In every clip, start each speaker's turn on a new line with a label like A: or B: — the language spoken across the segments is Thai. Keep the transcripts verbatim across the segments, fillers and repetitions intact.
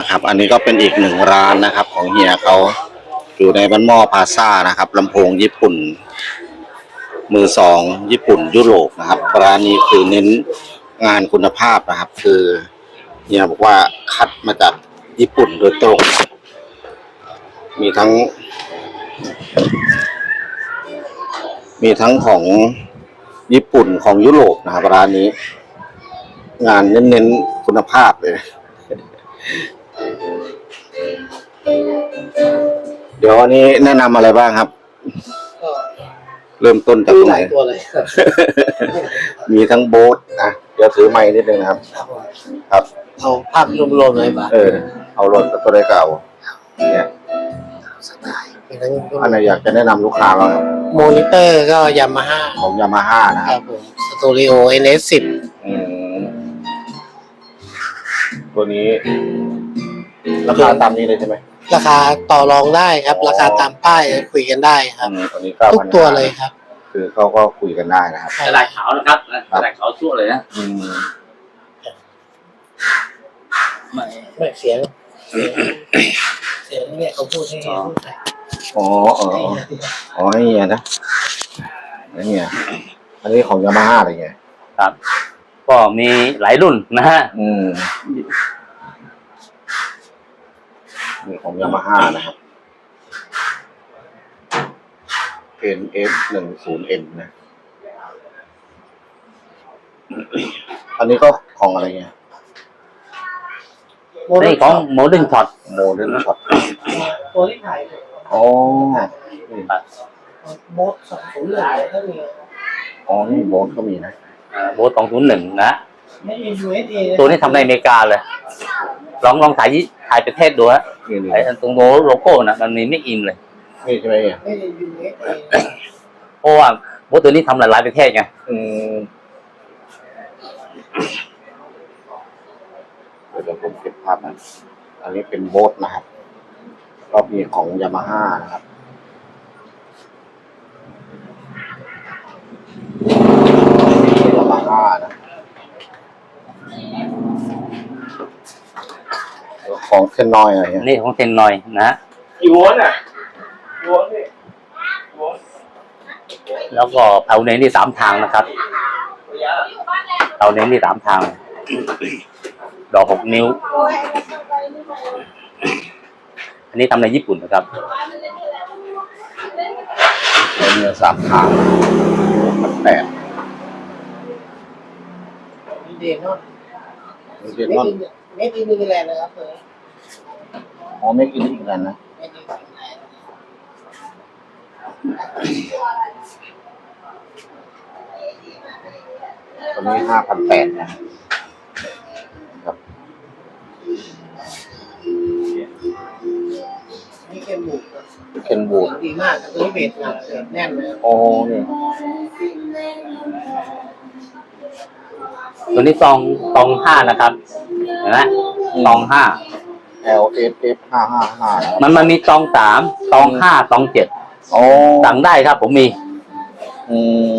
A: นะครับ อันนี้ก็เป็นอีกหนึ่งร้านนะครับ ของเฮียเขาอยู่ในบ้านหม้อพาซ่านะครับลำโพงญี่ปุ่นมือสองญี่ปุ่นยุโรปนะครับร้านนี้คือเน้นงานคุณภาพนะครับ คือเฮียบอกว่าคัดมาจากญี่ปุ่นโดยตรงมีทั้งมีทั้งของญี่ปุ่นของยุโรปนะครับร้านนี้งานเน้นๆคุณภาพเลยเดี๋ยววันนี้แนะนำอะไรบ้างครับเริ่มต้นจากตรงไหนตัวเลย มีทั้งโบ๊ทอ่ะเดี๋ยวถือไม้นิดนึงนะครับครับ
B: เอาภาพรวมๆเลยป่ะ
A: เออเอารถตัวได้เก่าเนี่ย
B: สไตล์
A: อันไหนอยากจะแนะนำลูกค้าบ้าง
B: มอนิเตอร์ก็ยามาฮ่า
A: ของยามาฮ่านะครับ
B: ผมสตูดิโอ เอ็น เอส สิบ
A: อืมตัวนี้ราคาตามนี้เลยใช่ไหม
B: ราคาต่อรองได้ครับราคาตามป้ายคุยกันได้ครับ
A: ตัวนี้
B: ทุกตัวเลยครับ
A: คือเขาก็คุยกันได้นะครับ
C: กระดาษขาวนะครับกระดาษขาวชั่วเลยนะ
A: อืม
B: ไม่ไม่เสียงเสียงเนี่ยเขาพูดให้พูดใส่
A: อ๋ออ๋ออ๋อให้เฮียนะนี่เฮียอันนี้ของยามาฮ่าอะไรเงี้ย
C: ครับก็มีหลายรุ่นนะฮะ
A: อืมนี่ของยามาฮ่านะครับ เอ็น เอฟ หนึ่งศูนย์ เอ็น นะอันนี้ก็ของอะไรเงี้ย
C: นี่ของโมเดิร์นช็อต
A: โมเดิร์นช็อต
B: ตัวที่ถ่าย
A: อ๋อ
B: โบ๊ทสองศูนย์หนึ่งก็มี
A: อ๋อนี่โบ๊ทก็มีนะ
C: โบ๊ทสองศูนย์หนึ่งนะ
B: ไม่มี ยู เอส เอ
C: ตัวนี้ทำในอเมริกาเลยลองลองถ่ายถ่ายประเทศดูฮะไอ้ตรงโลโก้นะมันมีไม่อินเลย
A: นี่ใช่ไหม
B: ไม่มี ยู เอส เอ
C: เพราะว่าโบ๊ทตัวนี้ทำหลายๆประเทศไง
A: อืมเดี๋ยวผมเก็บภาพนะอันนี้เป็นโบ๊ทนะครับก็มีของยามาฮ่านะครับยามาฮ่านะของเทนนอยอะไรเงี้ย
C: นี่ของเทนนอยนะ
B: กี่โวลต์อ่ะโวลต์นี่
C: แล้วก็เผาเน้นที่สามทางนะครับเผาเน้นที่สามทางดอกหกนิ้วอันนี้ทำในญี่ปุ่นนะครับ
A: เนื้อสามทางมันแปด
B: เดนนอน
A: เดนนอน
B: ไม่กินมีแรงนะครับเลย
A: อ๋อไม่กินอีกแล้วนะตอนนี้ห้าพันแปดนะครับ
B: นี่เคนบูด
A: เคนบูด
B: ดีมากตัวนี้เบสหนักแน่นเลย
A: โอ้เนี่ย
C: ตัวนี้ตองตองห้านะครับเห็นไหมตองห้า
A: แอล เอส เอฟ ห้าห้าห้า
C: มันมันมีตองสามตองห้าตองเจ็ด
A: โอ้
C: สั่งได้ครับผมมี
A: อืม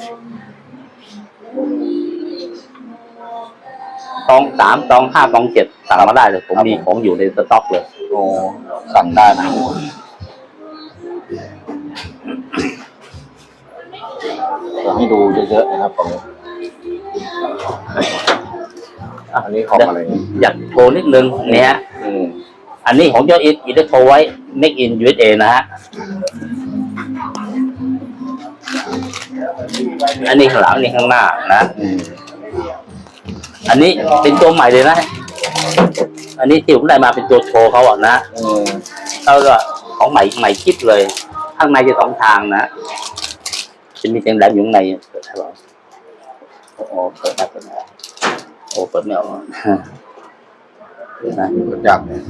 C: ตองสามตองห้าตองเจ็ดสั่งมาได้เลยผมมีของอยู่ในสต็อกเลย
A: โอ้สั่งได้นะจะให้ดูเยอะๆนะครับตรงนี้อันนี้ของอะไร
C: อยากโชว์นิดนึงเนี่ยอันนี้ของเจ้าอินอินเตอร์โทรไว้ Make in ยู เอส เอ นะฮะอันนี้ข้างหลังอันนี้ข้างหน้านะอันนี้เป็นตัวใหม่เลยนะอันนี้ที่ผมได้มาเป็นตัวโชว์เขาอ่ะนะแล้วก็ของใหม่ใหม่คิดเลยข้างในจะสองทางนะจะมีเสียงแหลมอยู่ข้างในเปิดให้เราโอ้เปิดได้เปิดได้โอ้เปิดไม่ออกนะ
A: เปิดยากเลย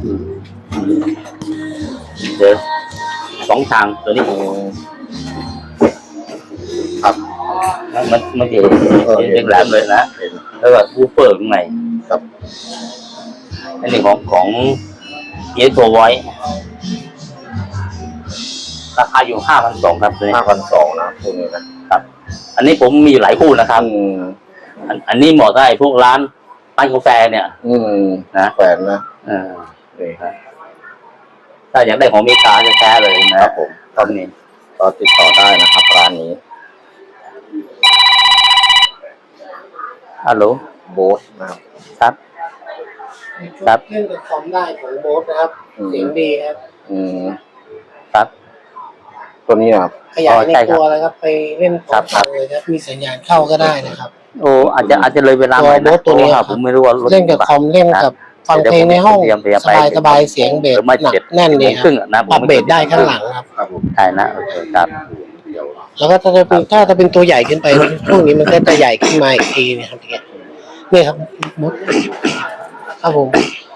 C: เดี๋ยวสองทางตัวนี้
A: ครับ
C: มันมันจะเป็นแหลมเลยนะแล้วก็บูเฟอร์ข้างใน
A: ครับ
C: อันนี้ของของเอสโทรไว้ราคาอยู่ห้าพันสองครับ
A: ห้าพันสองนะคู่นี้นะครับ
C: อันนี้ผมมีหลายคู่นะครับอันนี้เหมาะได้พวกร้านร้านกาแฟเนี่ย
A: อืม
C: นะ
A: แฟนนะ
C: เออครับถ้าอยากได้ของอเมริกาจะแท้เลยนะครับ
A: ผม
C: ตอนนี้
A: ก็ติดต่อได้นะครับร้านนี้
C: ฮัลโหล
A: โบ๊ทนะครับ
C: ครับ ครับ
B: เล่นกับคอมได้ของโบ๊ทนะครับ
A: อืม
B: เสียงดีครับ
A: อืม
C: ครับ
A: ตัวนี้นะครับ
B: ขยายใน
C: ใช่ครับ
B: ตัวเลยครับ ไปเล่นพร้อม
C: ครั
B: กับ นเลยครับ มีสัญญาณเข้าก็ได้นะครับ
C: โอ้อาจจะอาจจะเลยเวลา
B: ตัว
C: หน่อย
B: โบ๊ทตัวนี้
C: เพราะา
B: ครับ
C: ผมไม่รู้ว่ารถ
B: เล่นกับคอมเล่นกับฟังเพลงในห้อง
C: เดี๋ยวผมเตรียม
B: ส
C: ไป
B: บายสบายๆเสียงเบส
C: หรือไม่
B: หนัก
C: เจ็ด
B: แน่นดี
C: โมง
B: ค
C: ครึ่
B: รับ
C: งอะนะ
B: ปรับเบสได้ข้างหลังครับ
A: ครับผม
C: ใช่นะโอเคครับ
A: เดี๋ยว
B: แล้วก็ถ้าจะเป็นถ้าจะเป็นตัวใหญ่ขึ้นไป ช่วงนี้มันก็จะใหญ่ขึ้นมาอีกทีนะครับเนี่ยนี่ครับมดครับผม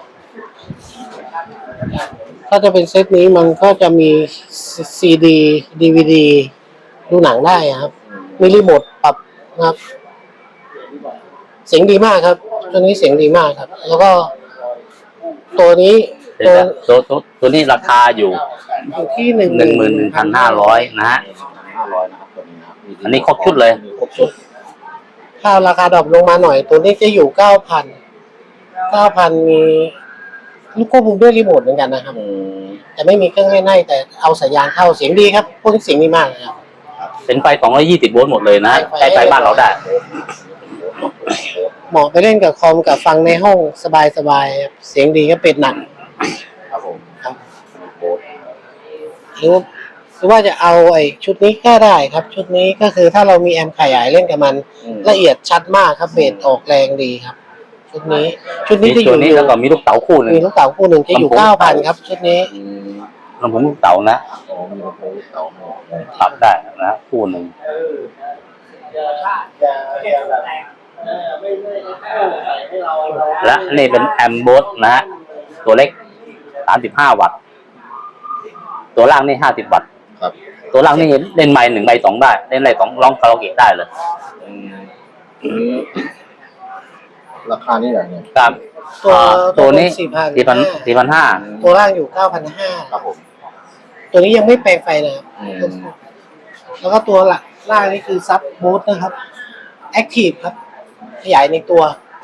B: ถ้าจะเป็นเซตนี้มันก็จะมีซีดีดีวีดีดูหนังได้ครับ มีรีโมทปรับนะครับ เสียงดีมากครับตัวนี้เสียงดีมากครับ แล้วก็ตัวนี้
C: เดี๋
B: ตั
C: ยว วนะตัวตัวตัวนี้ราคาอยู่
B: อยู่ที่หนึ่ง
C: หนึ่งหมื่นหนึ่งพันห้าร้อยนะฮะ
A: ห้าร้อยนะครับตัวนี้นะครับ
C: อันนี้ครบชุดเลย
A: ครบชุด
B: ถ้าราคาดรอปลงมาหน่อย ตัวนี้จะอยู่เก้าพันเก้าพันมีลูกควบคุมด้วยรีโมทเหมือนกันนะครับ
A: อืม
B: แต่ไม่มีเครื่องเล่นให้แต่เอาสัญญาณเข้าเสียงดีครับพวกนี้เสียงดีมากนะครับ
C: เป็นไฟสองร้อยยี่สิบโวลต์หมดเลยนะ
B: ไฟ
C: ใช้ไฟบ้านเราได้
B: เหมาะไปเล่นกับคอมกับฟังในห้องสบายๆครับเสียงดีก็เป็ดหนัก
A: ครับผม
B: ครับ
A: โบ๊ท
B: หรือว่าหรือว่าจะเอาไอ้ชุดนี้ก็ได้ครับ ชุดนี้ก็คือถ้าเรามีแอมป์ขยายเล่นกับมัน
A: อืม
B: ละเอียดชัดมากครับเบสออกแรงดีครับ ชุดนี้ ชุดนี้
C: มี
B: จะอ
C: ตัว
B: ยู่
C: นี้แล้วก็มีลูกเต๋าคู่หนึ่ง
B: มีลูกเต๋าคู่หนึ่งจะอยู่
C: ลำโพง
B: เก้าพันครับ ชุดนี้
A: อืม
C: ลำโพงลูกเต๋านะ
A: อ๋อมีลำโพงลูกเต๋าให้
C: ปรับได้นะคู่หนึ่งและนี่เป็นแอมโบสนะฮะตัวเล็กสามสิบห้าวัตต์ตัวล่างนี่ห้าสิบวัตต์
A: ครับ
C: ตัวล่างนี่เล่นไมค์หนึ่งไมค์สองได้เล่นไมค์สองร้องคาราโอเกะได้เลย
A: อืมอืมราคานี่อย่างเนี้ย
C: ครับ
B: ตัว
C: อ่าตัวนี้
B: สี่พัน
C: สี่พันสี่พันห้า
B: ตัวล่างอยู่เก้าพันห้า
A: ครับผม
B: ตัวนี้ยังไม่แปลงไฟนะครับ
A: อืม
B: แล้วก็ตัวหลักล่างนี่คือซับบูทนะครับแอคทีฟครับ ขยายในตัว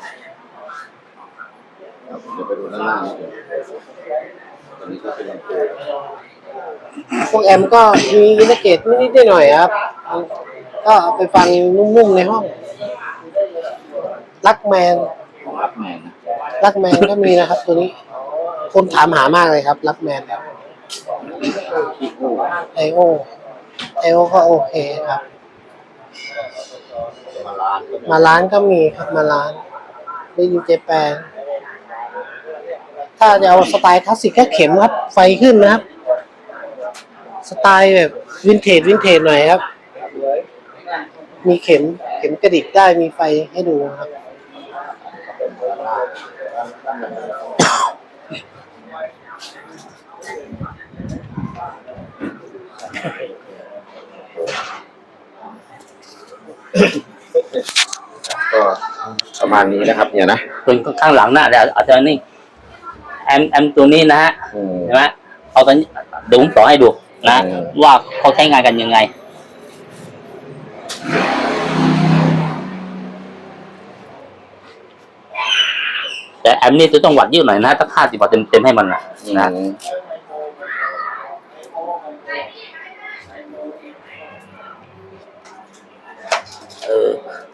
A: ครับเดี๋ยวไปดูด้านล่างนิดเดียวตัวนี้ก็เป็นลำโพง
B: พวกแอมก็มีอินเทอร์เกตนิดๆหน่อยๆครับ ก็เอาไปฟังนุ่มๆในห้อง ลักแมน
A: ของรับแมนนะ
B: ลักแมนก็มีนะครับ ตัวนี้ คนถามหามากเลยครับ ลักแมนครับ
A: ที่กู้
B: ไอโอไอโอก็โอเคครับ
A: มาล้านก็ได้
B: มาร้านก็มีครับมาร้านได้ยินเจแปนถ้าจะเอาสไตล์คลาสสิกก็เข็มครับ ไฟขึ้นนะครับ สไตล์แบบวินเทจวินเทจหน่อยครับ มีเข็มเข็มกระดิกได้มีไฟให้ดูครับ
A: ก็ประมาณนี้นะครับเนี่ยนะ
C: ส่วนข้างหลังน่ะเดี๋ยวอาจจะนี่แอมแอมตัวนี้นะฮะ
A: อืม
C: ใช่ไหมเอาตอนนี้เดี๋ยวผมต่อให้ดูนะ
A: อืม
C: ว่าเขาใช้งานกันยังไง แต่แอมนี่จะต้องวัดเยอะหน่อยนะถ้าค่าสิบวัตต์เต็มเต็มๆให้มันนะนะ
A: อืม
C: เออ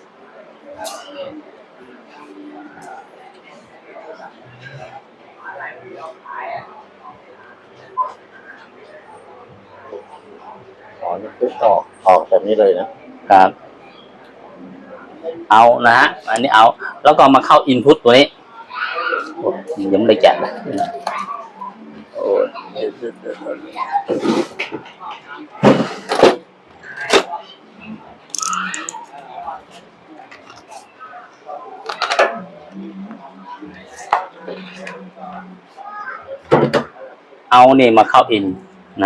A: อ๋อนี่คือออกออกแบบนี้เลยนะครับ
C: เอานะฮะ อันนี้เอา แล้วก็มาเข้าอินพุตตัวนี้โอ้ยังไม่ได้แกะนะโอ้ยเอาเนี่ยมาเข้าอินนะ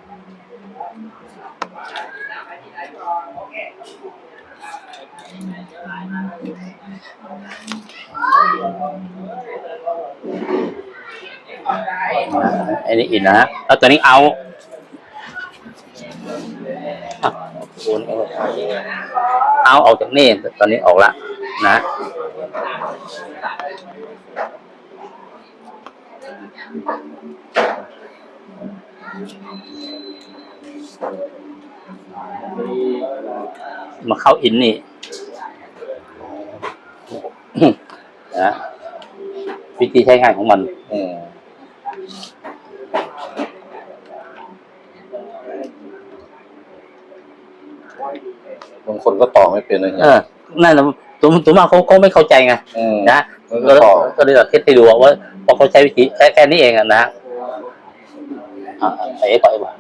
C: อันนี้อินนะฮะแล้วตัวนี้เอาอ่ะเอาออกจากนี่ตอนนี้ออกละนะมาเข้าอินนี่นะวิธีใช้งานของมัน
A: อืมบางคนก็ต่อไม่เป็นนะ
C: เออนั่นนะตัวตัวมากเขาเขาไม่เข้าใจไง
A: อืม
C: นะ
A: มัน
C: ก็
A: ก็ต่อ
C: ก็เลยเทสให้ดูว่าพอเขาใช้วิธีแค่แค่นี้เองอะนะอ่าไอ้ก่อนไอ้ก่อน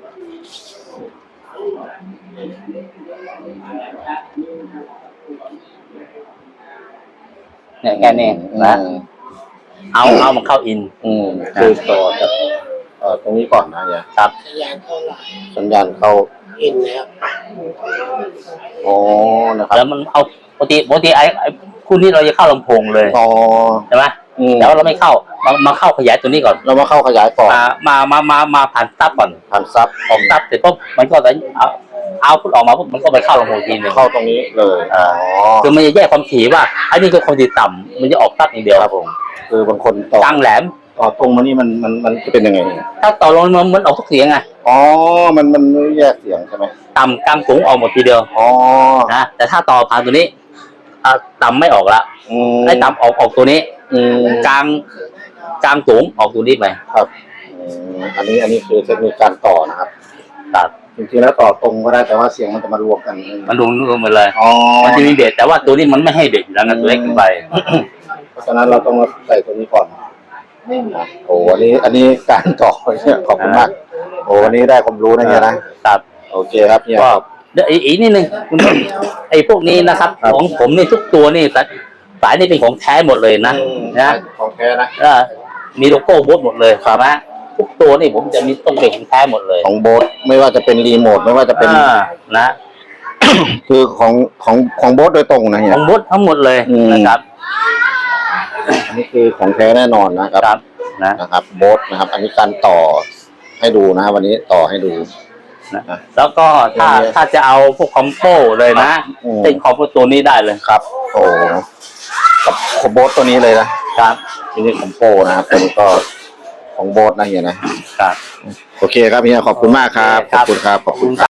C: เนี่ยแค่นี้นะ
A: อืม
C: เอาเอามันเข้าอิน
A: อืมคือต่อจากเอ่อตรงนี้ก่อนนะเนี่ย
C: ครับ
B: สัญญาณเข้าหลาย
A: สัญญาณเข้า
B: อินนะครับ
A: อ๋อนะครับ
C: แล้วมันเอาปกติปกติไอ้ไอ้คู่นี้เราจะเข้าลำโพงเลย
A: อ๋อ
C: ใช่ไหม
A: อืม
C: แต่ว่าเราไม่เข้ามามาเข้าขยายตัวนี้ก่อน
A: เรามาเข้าขยายต่อ
C: มามามามามาผ่านซับก่อน
A: ผ่านซับ
C: ออกซับเสร็จปุ๊บมันก็จะเอาเอาพุทออกมาปุ๊บมันก็ไปเข้าลำโพงทีหนึง
A: เข้าตรงนี้เลย
C: อ่า คือมันจะแยกความถี่ว่าอันนี้คือความถี่ต่ำมันจะออกซับอย่างเดียว
A: ครับผมคือบางคนต่อก
C: ลางแหลม
A: ต่อตรงมานี่มันมันมันจะเป็นยังไงเนี่ย
C: ถ้าต่อลงมันมันออกทุกเสียงไง
A: อ๋อมันมันไม่แยกเสียงใช่ไหม
C: ต่ำกลางสูงออกหมดทีเดียว
A: อ๋อ
C: นะแต่ถ้าต่อผ่านตัวนี้อ่าต่ำไม่ออกละ
A: อืม
C: ไอ้ต่ำออกออกตัวนี้
A: อืม
C: กลางกลางสูงออกตัวนี้ไป
A: ครับอืมอันนี้อันนี้คือเทคนิคการต่อนะครับ
C: ตัด
A: จริงๆแล้วต่อตรงก็ได้แต่ว่าเสียงมันจะมารวมกัน
C: มันรวมรวมหมดเลย
A: อ๋อ
C: มันจะมีเบสแต่ว่าตัวนี้มันไม่ให้เบสอยู่แล้วนะตัวเล็กขึ้นไป
A: เพราะฉะนั้นเราต้องมาใส่ตัวนี้ก่อนโอ้อันนี้อันนี้การต่อเนี่ยขอบคุณมากโอ้วันนี้ได้ความรู้นะเนี่ยนะครับ โอเคครับเนี่ย
C: ก็
A: ครับ
C: เดี๋ยวอีกอีกนิดนึงคุณผู้ชมไอ้พวกนี้นะครับ
A: ครับ
C: ของผมนี่ทุกตัวนี่สายสายนี่เป็นของแท้หมดเลยนะ
A: อืม
C: นะ
A: ของแท้นะ
C: เออมีโลโก้โบ๊ทหมดเลยครับนะทุกตัวนี่ผมจะมีต้องเป็นของแท้หมดเลย
A: ของโบ๊ทไม่ว่าจะเป็นรีโมทไม่ว่าจะเป็น
C: อ่านะ
A: คือของของของโบ๊ทโดยตรงนะ
C: ข
A: เนี่ย
C: องโบ๊ททั้งหมดเลย
A: อืม
C: นะครับ
A: อันนี้คือของแท้แน่นอนนะครับ
C: ครับนะ
A: นะครับโบ๊ทนะครับ อันนี้การต่อให้ดูนะครับวันนี้ต่อให้ดู
C: นะแล้วก็ถ้าถ้าจะเอาพวกคอมโบเลยนะ
A: อืม
C: เป็นคอมโบตัวนี้ได้เลย
A: ครับโอ้กับของโบ๊ทตัวนี้เลยนะครับ ทีนี้ของโปนะครับตัวนี้ก็ของโบ๊ทนะเฮียนะครับ โอเคครับเฮียขอบคุณมากครับขอบคุณครับขอบคุณครับ